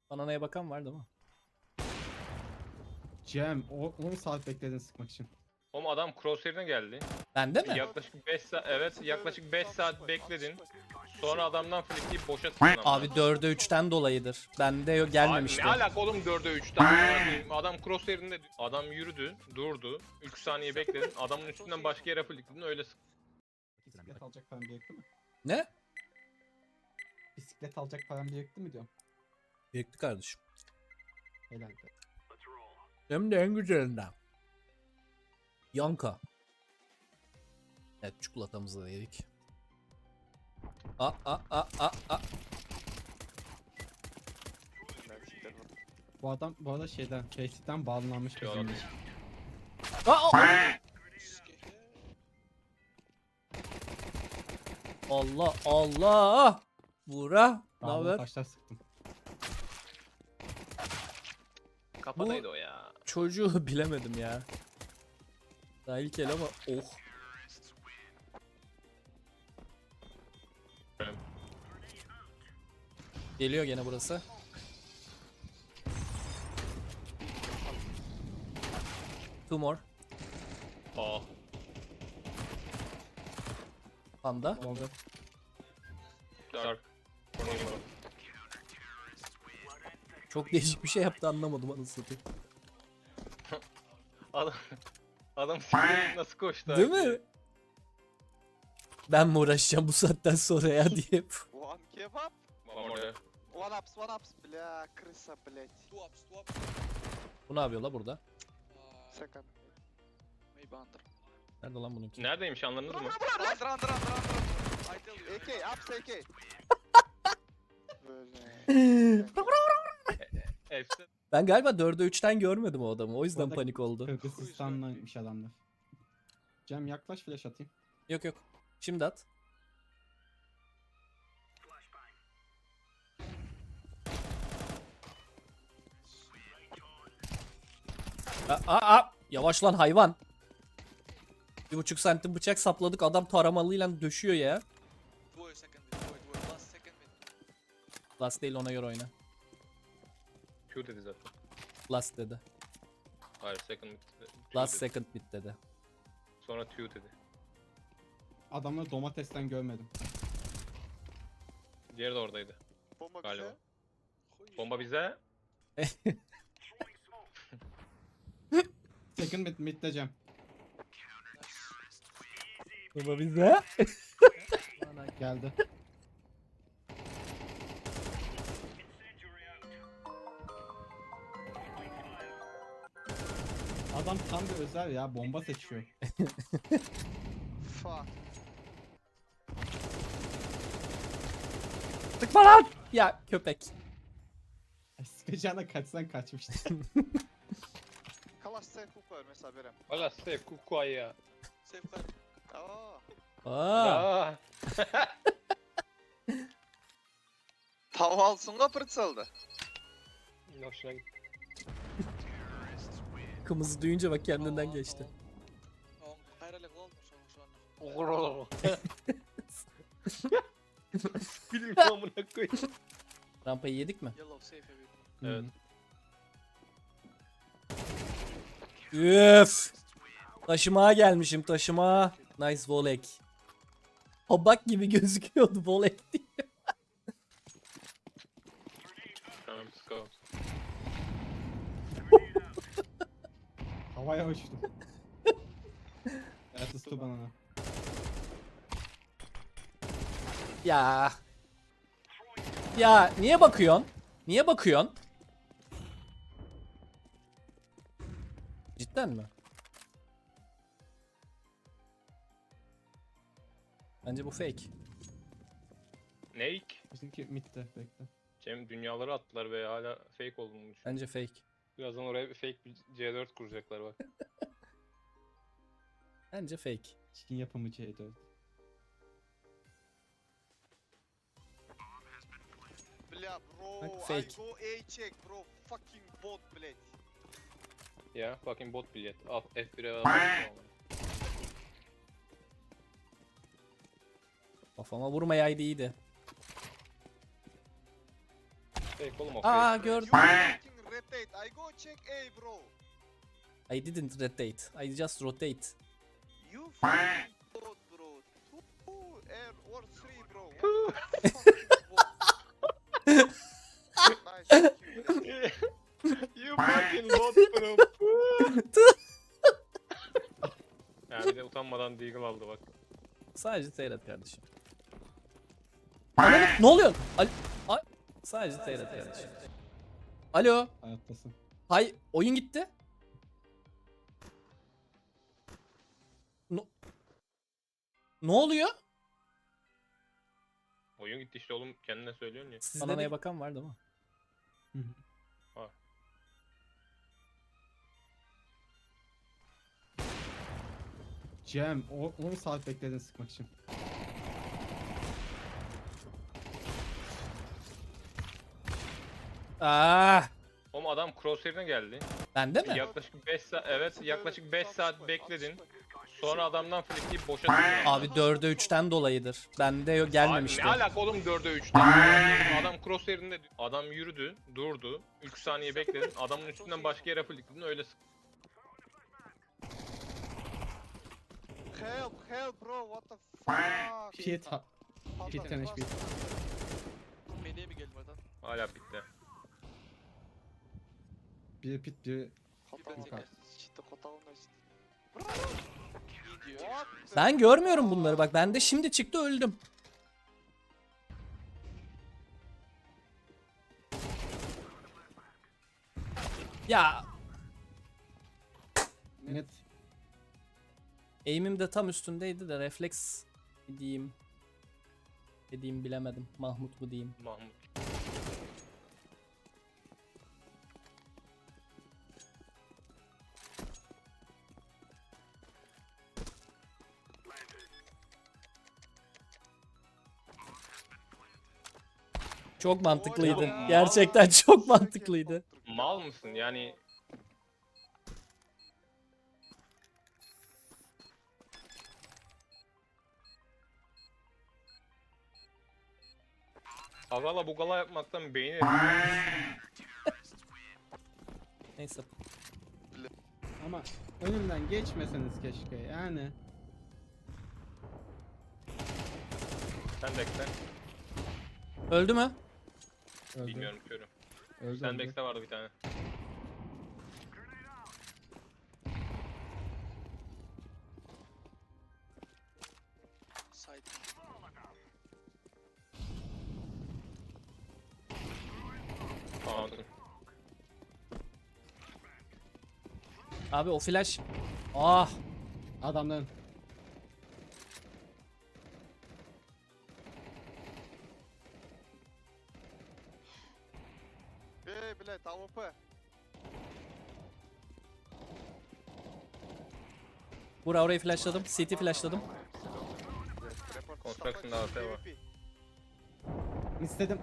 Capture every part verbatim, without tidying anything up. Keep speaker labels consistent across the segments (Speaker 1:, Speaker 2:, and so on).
Speaker 1: Bananaya bakan var değil mi?
Speaker 2: Cem o on saat bekledin sıkmak için.
Speaker 3: Oğlum adam crosshair'ine geldi.
Speaker 1: Bende mi?
Speaker 3: Yaklaşık beş saat, evet yaklaşık beş saat bekledin. Sonra adamdan flickleyip boşa sıktın ama.
Speaker 1: Abi dörde üçten dolayıdır. Bende yok, gelmemişti.
Speaker 3: Abi ne alaka oğlum dörde üçten? Adam crosshair'inde adam yürüdü, durdu. üç saniye bekledin. Adamın üstünden başka yere flickledin öyle sıktın.
Speaker 2: Bisiklet alacak param birikti mi?
Speaker 1: Ne?
Speaker 2: Bisiklet alacak param birikti mi diyorum.
Speaker 1: Birikti kardeşim.
Speaker 2: Helal be.
Speaker 1: Hem de en güzelinden. Yanka. Evet, çikolatamızı da yedik. A a a a a.
Speaker 2: Bu adam bu arada şeyden Facebook'ten bağlanmış
Speaker 3: Yok.
Speaker 2: bizimle.
Speaker 1: Aa, aa. Allah Allah. Bura. Ne
Speaker 2: Bağlı
Speaker 1: haber?
Speaker 2: taşlar sıktım.
Speaker 3: Kafadaydı o ya.
Speaker 1: Çocuğu bilemedim ya. Daha ilk el ama oh. Geliyor gene burası. Two more.
Speaker 3: Aa.
Speaker 1: Panda.
Speaker 2: Oldu.
Speaker 3: Dark.
Speaker 1: Çok değişik bir şey yaptı, anlamadım anasını satayım.
Speaker 3: Adam adam siktir nasıl koştu?
Speaker 1: Değil
Speaker 3: abi?
Speaker 1: mi? Ben mi uğraşacağım bu saatten sonra ya diye.
Speaker 4: One kebab,
Speaker 3: One more there.
Speaker 4: one ups, one ups, бля, крыса, блять.
Speaker 5: Two ups, two ups.
Speaker 1: Bu ne yapıyor la burada?
Speaker 5: Uh,
Speaker 4: Second.
Speaker 5: maybe under.
Speaker 1: Nerede lan bununki?
Speaker 3: Neredeymiş anladınız mı?
Speaker 5: Under, under, under, under, under. I tell you.
Speaker 4: A K, ups, A K. Böyle.
Speaker 3: Efsane.
Speaker 1: Ben galiba dörde üçten görmedim o adamı. O yüzden
Speaker 2: Orada
Speaker 1: panik oldu.
Speaker 2: Kırgızistan'daymış adamlar. Cem yaklaş flash atayım.
Speaker 1: Yok yok. Şimdi at. Aa, aa, aa. Yavaş lan hayvan. Bir buçuk santim bıçak sapladık, adam taramalıyla döşüyor ya.
Speaker 5: Two second mid, two, two, last second mid.
Speaker 1: Last değil, ona göre oyna.
Speaker 3: Q dedi zaten.
Speaker 1: Last dedi.
Speaker 3: Hayır second mid dedi. Q
Speaker 1: Last
Speaker 3: dedi.
Speaker 1: second bit dedi.
Speaker 3: Sonra Q dedi.
Speaker 2: Adamları domatesten görmedim.
Speaker 3: Diğeri de oradaydı.
Speaker 4: Bomba
Speaker 3: Galiba.
Speaker 4: bize.
Speaker 3: Bomba bize.
Speaker 2: Second mid mid'de Cem.
Speaker 1: Baba bize.
Speaker 2: Geldi. Adam tam bir özel ya, bomba seçiyor.
Speaker 4: Fuck.
Speaker 1: Tıkma lan. Ya köpek.
Speaker 2: Ay, sıkacağına kaçsan kaçmıştı.
Speaker 4: Kalaş safe hook var mesela Berem.
Speaker 3: Valla safe kukuay ya.
Speaker 5: Safe card.
Speaker 4: Aa.
Speaker 1: Aa.
Speaker 3: Aa.
Speaker 4: Tav alsınga pırtsaldı.
Speaker 3: Hoşuna gitti.
Speaker 1: Kımızı duyunca bak kendinden geçti.
Speaker 5: On hayralı olmuş şu an.
Speaker 3: Olur olur. Bilmiyorum amına koyayım.
Speaker 1: Rampayı yedik mi?
Speaker 5: Yellow safe heavy.
Speaker 3: Evet.
Speaker 1: Üf. Taşımaya gelmişim, taşıma. Nice volek. Habak gibi gözüküyordu volek diye.
Speaker 3: Tamam sıkalım.
Speaker 2: Havaya uçtum. Evet ıstı bana.
Speaker 1: Ya. Ya niye bakıyorsun? Niye bakıyorsun? Cidden mi? Bence bu fake.
Speaker 3: Neyk?
Speaker 2: Bizimki mid'de, bekle.
Speaker 3: Cem dünyaları attılar ve hala fake olduğunu düşünüyorum.
Speaker 1: Bence fake.
Speaker 3: Birazdan oraya bir fake bir C dört kuracaklar bak.
Speaker 1: Bence fake.
Speaker 2: Çikin yapımı C dört.
Speaker 4: Бля, bro,
Speaker 1: Bak,
Speaker 4: I
Speaker 1: fake.
Speaker 4: go A check bro. Fucking bot, блять.
Speaker 3: Ya fucking bot bilet. Al F bir'e al.
Speaker 1: Kafama vurmayaydı iyiydi.
Speaker 3: Fake oğlum o
Speaker 1: Aa
Speaker 3: fake.
Speaker 1: gördüm.
Speaker 4: You fucking rotate. I go check A, bro.
Speaker 1: I didn't rotate. I just rotate.
Speaker 4: You fucking bot, bro. Two air or three, bro. What the fucking bot? Nice, thank you.
Speaker 3: You fucking bot bro. Ya bir de utanmadan deagle aldı bak.
Speaker 1: Sadece seyret kardeşim. Ananı, ne oluyor? Al Ay- Sadece seyret kardeşim. Alo.
Speaker 2: Hayattasın.
Speaker 1: Hay, oyun gitti. No Ne oluyor?
Speaker 3: Oyun gitti işte oğlum, kendine söylüyorsun ya.
Speaker 1: Sizde Ananaya bakan var değil mi?
Speaker 2: Hı hı.
Speaker 3: Var.
Speaker 2: Cem o- on saat bekledin sıkmak için.
Speaker 1: Aa,
Speaker 3: Oğlum adam crosshair'ine geldi.
Speaker 1: bende mi?
Speaker 3: Yaklaşık beş saat, evet yaklaşık beş saat bekledin. Sonra adamdan flikleyip boşa tıkladın.
Speaker 1: Abi dörde üçten dolayıdır. Bende yok, gelmemişti.
Speaker 3: Abi ne alaka oğlum dörde üçten? Adam crosshair'inde adam yürüdü, durdu. üç saniye bekledin. Adamın üstünden başka yere flikledin, öyle sık.
Speaker 4: Help, help, bro. What the fuck?
Speaker 2: Pit ha-
Speaker 4: Pardon,
Speaker 2: Pit and H P.
Speaker 5: Main'e mi geldim adam?
Speaker 3: Hala bitti.
Speaker 2: Bir pit bir
Speaker 4: Хотел
Speaker 2: Yukarı.
Speaker 4: что хотел носить.
Speaker 5: İyi diyor.
Speaker 4: What the
Speaker 1: Ben görmüyorum bunları bak. Bende şimdi çıktı, öldüm. Ya
Speaker 2: net.
Speaker 1: aim'im de tam üstündeydi de refleks mi diyeyim. Ne diyeyim bilemedim. Mahmut mu diyeyim.
Speaker 3: Mahmut.
Speaker 1: Çok mantıklıydı.
Speaker 3: Oğlum,
Speaker 1: Gerçekten çok mantıklıydı.
Speaker 3: Mal mısın yani? Agala bugala yapmaktan beyni
Speaker 1: Neyse.
Speaker 2: Ama önümden geçmeseniz keşke yani.
Speaker 3: sen bekle.
Speaker 1: Öldü mü?
Speaker 2: Öldü.
Speaker 3: Bilmiyorum körüm.
Speaker 2: Öldü,
Speaker 3: Sen
Speaker 2: öldü.
Speaker 3: bekle vardı bir tane.
Speaker 5: Side.
Speaker 3: Fountain.
Speaker 1: Abi o flash. Ah.
Speaker 2: Adamların.
Speaker 4: Эй, блядь, АВП.
Speaker 1: Bura orayı flashladım. C T flashladım.
Speaker 4: Report
Speaker 3: Construction
Speaker 4: вставать,
Speaker 3: da AWP var.
Speaker 4: P V P.
Speaker 2: İstedim.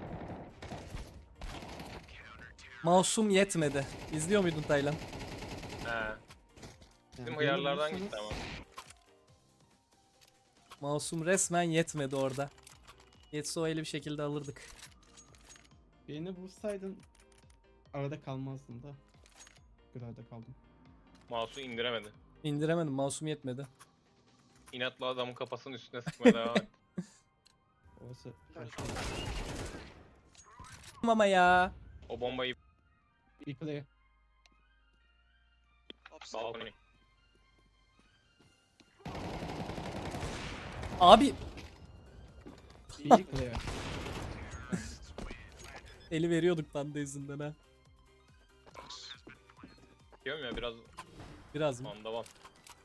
Speaker 1: Masum yetmedi. İzliyor muydun Taylan?
Speaker 3: He.
Speaker 2: Yani
Speaker 3: Bizim
Speaker 2: beni
Speaker 3: hıyarlardan
Speaker 2: vurursanız-
Speaker 3: gitti ama.
Speaker 1: Masum resmen yetmedi orada. Yetse o eli bir şekilde alırdık.
Speaker 2: Beni vursaydın arada kalmazdın da. Arada kaldım.
Speaker 3: Mouse'u indiremedi.
Speaker 1: İndiremedim. Masum yetmedi.
Speaker 3: İnatla adamın kafasının üstüne sıkmaya devam etti.
Speaker 2: Orası
Speaker 1: Ama ya.
Speaker 3: O bombayı
Speaker 2: iyi play.
Speaker 5: Upside.
Speaker 3: balkona.
Speaker 1: Abi
Speaker 2: İyi play.
Speaker 1: eli veriyorduk panda yüzünden ha.
Speaker 3: Diyorum ya biraz
Speaker 1: Biraz mı?
Speaker 3: anda var.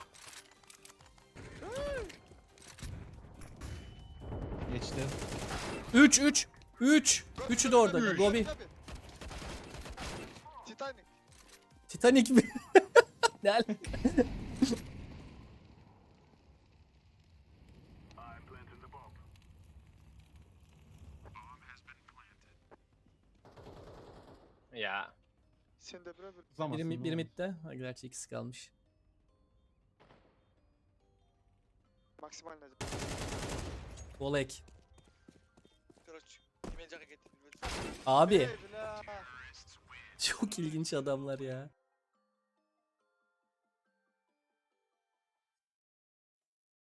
Speaker 2: Geçti.
Speaker 1: üç üç üç. Üçü de orada. Gobi.
Speaker 4: Titanic.
Speaker 1: Titanic mi? Ne alaka?
Speaker 3: Ya.
Speaker 4: Sen de bre bre.
Speaker 2: Uzamasın,
Speaker 1: Biri,
Speaker 2: ne
Speaker 1: biri
Speaker 2: olur.
Speaker 1: midde. Ha, gerçi ikisi kalmış.
Speaker 4: Максимально.
Speaker 1: Volek.
Speaker 5: Короче, имеет жарко, говорит,
Speaker 1: Abi
Speaker 4: Babe, لا.
Speaker 1: çok ilginç adamlar ya.